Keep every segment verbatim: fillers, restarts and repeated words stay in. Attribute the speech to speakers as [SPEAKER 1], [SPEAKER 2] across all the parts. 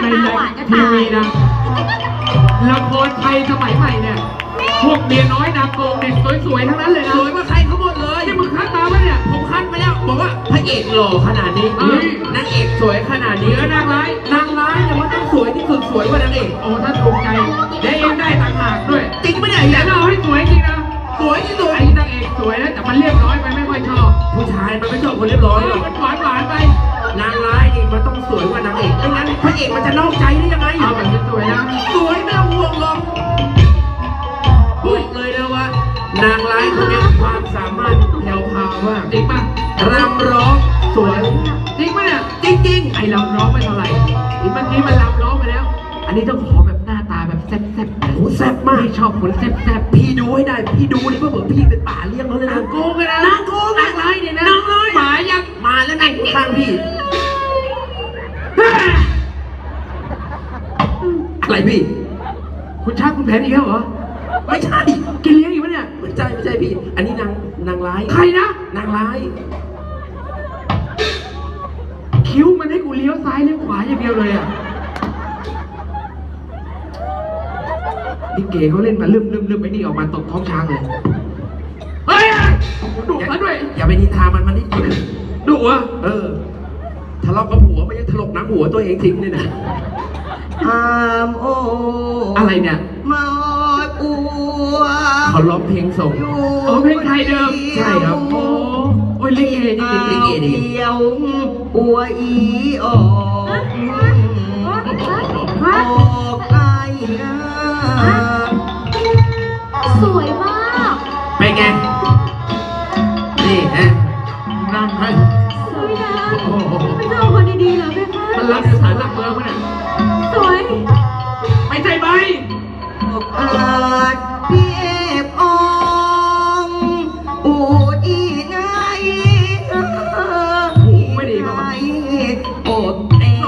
[SPEAKER 1] ในทีวีนะละครไทยสมัยใหม่เนี่ยพวกเมียน้อยนางโกงเด็กสวยๆทั้งนั้นเลยนะ
[SPEAKER 2] สวยกว่าใครเขาหมดเลย
[SPEAKER 1] ที่มึงคัดมาปะเนี่ย
[SPEAKER 2] ผมคัดมาแล้วบอกว่าพระเอกหล่อขนาดนี้นางเอกสวยขนาดนี้แล้วนางร้ายนางร้ายเนี่ยมันต้องสวยที่สุดสวยกว่านางเอก
[SPEAKER 1] โอ้ท่านภูมิใจได้เองได้ต่างหากด้วย
[SPEAKER 2] จริงปะเนี่ย
[SPEAKER 1] แต่เราให้สวยจริงนะ
[SPEAKER 2] สวยที่สุด
[SPEAKER 1] ไอ้นางเอกสวยนะแต่มันเรียบร้อยไปไม่ค่อยชอบ
[SPEAKER 2] ผู้ชายมันไม่ชอบคนเรียบร้อยหรอก
[SPEAKER 1] มันหวานหวานไป
[SPEAKER 2] นางร้ายนี่มันต้องสวยกว่านางเอกไม่งั้นพระเอกมันจะนอกใจได้ยังไง
[SPEAKER 1] เอาแบบสวยนะ
[SPEAKER 2] สวยไม่ต้องห่วงหรอกบอกเลยนะว่านางร้ายคนนี้ความสามารถแผ่วพราวมาก
[SPEAKER 1] จริงป่ะ
[SPEAKER 2] รำร้องสวย
[SPEAKER 1] จริงป่ะเนี่ย
[SPEAKER 2] จริงๆ
[SPEAKER 1] ไอรำร้องไม่เท่าไหร่อีเมื่อกี้มันรำร้องไปแล้วอันนี้ต้องขอแบบหน้าตาแบบแซ่บๆโอ้
[SPEAKER 2] แซ่บมาก
[SPEAKER 1] ชอบคนแซ่บ
[SPEAKER 2] ๆพี่ดูให้ได้พี่ดูนี่เพื่อเหมือนพี่เป็นป่าเลี้ยงเขาเลยนะ
[SPEAKER 1] นางโกงเลยนะ
[SPEAKER 2] นางโกง
[SPEAKER 1] นางร้ายเนี่ยนะ
[SPEAKER 2] นางร้าย
[SPEAKER 1] หมายัง
[SPEAKER 2] มาแล้วนั่งข้างพี่อะไรพี่
[SPEAKER 1] คุณชักคุณแผนอีกแล้วเหรอ
[SPEAKER 2] ไม่ใช่
[SPEAKER 1] กินเลี้ยงอีกปะเนี่ย
[SPEAKER 2] ไม่ใช่ไม่ใช่พี่อันนี้นางนางร้าย
[SPEAKER 1] ใครนะ
[SPEAKER 2] นางร้าย
[SPEAKER 1] คิ้วมันให้กูเลี้ยวซ้ายเลี้ยวขวาอย่างเดียวเลยอ่ะนี่เก๋เขาเล่นมาลืมลืมลืมไปนี่ออกมาตกท้องช้างเลยเฮ้ยดุมาด้วย
[SPEAKER 2] อย่าไปนินทามันมันนี่
[SPEAKER 1] ดุอ่ะ
[SPEAKER 2] เออทะเลาะกับผัวไม่ยังถลกหนังหัวตัวเองทิ้งเลยนะอามโอ
[SPEAKER 1] อะไรเนี่ย
[SPEAKER 2] มาอัวเขาร้องเพลงส่ง
[SPEAKER 1] โอ้เพลงไทยเดิม
[SPEAKER 2] ใช่ครับ
[SPEAKER 1] โอ้โอ้ยลิเกนี่
[SPEAKER 2] ลิเกดีเดียวอัวอีออกออกไอ้
[SPEAKER 3] สวยมาก
[SPEAKER 2] ไปไงนี่ฮะนั่งให้
[SPEAKER 3] สวยนะไม่ใช่คนดีๆเหรอแม่คะ
[SPEAKER 1] มันรับสารหลักเมืองมั้ยเนี่ย
[SPEAKER 3] สวย
[SPEAKER 1] ไม่ใช่ไหม
[SPEAKER 2] อาจเพียบอองอูอีไง
[SPEAKER 1] หูไม่ดีป่ะ
[SPEAKER 2] โอดเอ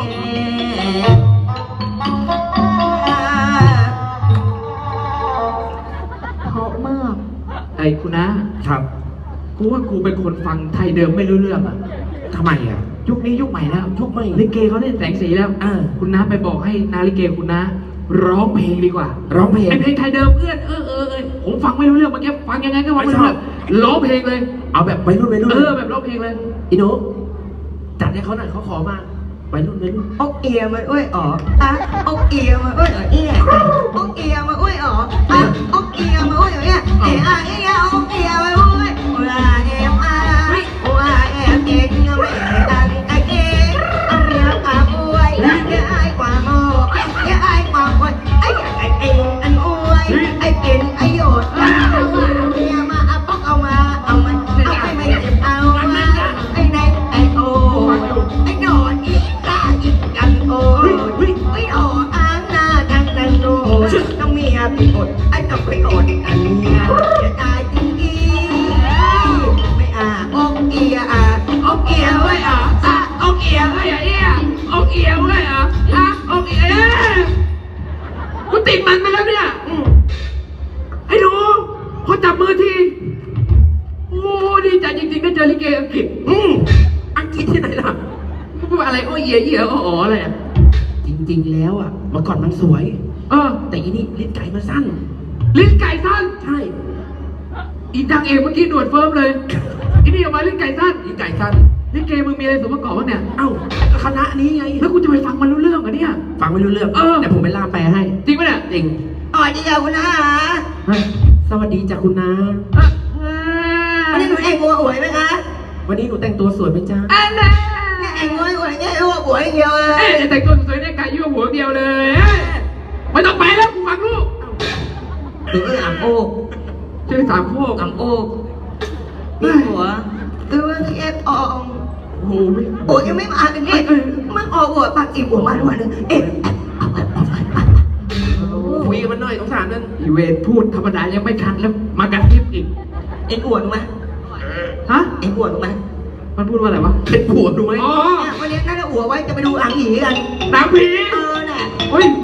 [SPEAKER 3] เพราะมาก
[SPEAKER 1] ไอ้คุณนะครับกูว่ากูเป็นคนฟังไทยเดิมไม่รู้เรื่องอ่ะ
[SPEAKER 2] ทำไมอ่ะ
[SPEAKER 1] ยุคนี้ยุคใหม่แล้ว
[SPEAKER 2] ยุคใหม่
[SPEAKER 1] ลิเกเขาเล่นแสงสีแล้ว
[SPEAKER 2] อ่า
[SPEAKER 1] คุณน้าไปบอกให้นาลิเกคุณน้าร้องเพลงดีกว่า
[SPEAKER 2] ร้องเพลง
[SPEAKER 1] ไอเพลงไทยเดิมเอื้อนเออเออเออผมฟังไม่รู้เรื่องเมื่อกี้ฟังยังไงก็ฟังไม่รู้เรื่องร้องเพลงเลย
[SPEAKER 2] เอาแบบไปรุ่นไปรุ่น
[SPEAKER 1] เออแบบร้องเพลงเลย
[SPEAKER 2] อีโนจัดให้เขาหน่อยเขาขอมาไปรุ่นไปรุ่นอกเอียมาอ้วยอ๋ออ่ะอกเอียมาอ้วยอ๋อเอียอกเอียมาอ้วยอ๋ออ่ะอกเอียมาอ้วยอ๋อเอียเอียเอียอกเอียมาอ้วยว่าเอ็มอาว่าเอ็มเอ็งไม่ดังไอเอ็งเอาเมียกาอ้วยอย่าไอ้กว่าโมอย่าไอ้กว่าคนไอ้ไอ้เอ็งอันอ้วยไอ้กินไอ้โยดเอาเมียมาเอาปอกเอามาเอามันเอาไปไม่เจ็บเอาไอ้ไหนไอ้โอไอ้โดดอีกาอีกันโอ้ไอ้โออ้างหน้าดังดังโดต้องเมียไปอดไอ้ต้องไปอดอันเมียจะตายจริงอีไม่อาอกเอียอาอกเอียไว้อ่ะอ่ะอกเอียไว้อ่ะเอียอกเอียไว้อ่ะอ่ะอกเอีย
[SPEAKER 1] กูติดมันไปแล้วเนี่ยไอ้หนูพอจับมือทีโอ้ดีใจจริงๆได้เจอลิเกอังกฤษ
[SPEAKER 2] อืมอังกฤษที่ไหนล่ะ
[SPEAKER 1] พูดอะไรโอ้เอียเอียอ๋ออะไรอ่ะ
[SPEAKER 2] จริงๆแล้วอ่ะเมื่อก่อนมันสวย
[SPEAKER 1] เออ
[SPEAKER 2] แต่อีนี่ลิ้นไก่มันสั้น
[SPEAKER 1] ลิ้นไก่สั้น
[SPEAKER 2] ใช่
[SPEAKER 1] อีดังเอกเมื่อกี้หนวดเฟิร์มเลยอีนี่ออกมาลิ้นไก่สั้น
[SPEAKER 2] ลิ้นไก่สั้น
[SPEAKER 1] ลิเกมึงมีอะไรสมประกอบบ้างเนี่ย
[SPEAKER 2] เอ้าคณะนี้ไง
[SPEAKER 1] แล้วกูจะไปฟังมันรู้เรื่องเหรอเนี่ย
[SPEAKER 2] ฟังไม่รู้เรื่อง
[SPEAKER 1] เออ
[SPEAKER 2] แต่ผมไปล่ามแปลให้
[SPEAKER 1] จริงปะเนี่ย
[SPEAKER 2] จริงอ๋อดีจ้ะคุณน้าสวัสดีจ้ะคุณน้าวันนี้หนูแต่งตัวสวยไหมคะวันนี้หนูแต่งตัวสวยไหมจ๊ะ
[SPEAKER 1] อันนั้น
[SPEAKER 2] แต่งตัวสวยเนี่ยหัวสวยเดียวเลย
[SPEAKER 1] เอ๊ะแต่งตัวสวยเนี่ยไก่ยั่วหัวเดียวเลยไม่ต้องไปแล้วกูฟังลูก
[SPEAKER 2] หรืออ่างโอ๊ก
[SPEAKER 1] เจอสามโคก
[SPEAKER 2] อ่างโอ๊กมีหัวตัวเอฟออง
[SPEAKER 1] โอ้โห
[SPEAKER 2] โอ้ยยังไม่มาเลยนี่มันออกหัวปากจีบหัวมาด้วยนึงเอ๊ะคุยกันมันหน่อยสงสารนั่น
[SPEAKER 1] อีเวนพูดธรรมดายังไม่ทันแล้วมากระทิบอีก
[SPEAKER 2] เอ็นอ้วนไหม
[SPEAKER 1] ฮะ
[SPEAKER 2] เอ็นอ้วนไหม
[SPEAKER 1] มันพูดว่าอะไรวะ
[SPEAKER 2] เป็นผัวดูไหม
[SPEAKER 1] อ๋อ
[SPEAKER 2] วันนี้น่าจะหัวไว้จะไปดูอ่างผีกัน
[SPEAKER 1] นางผี
[SPEAKER 2] เออน่ะ
[SPEAKER 1] เฮ้ย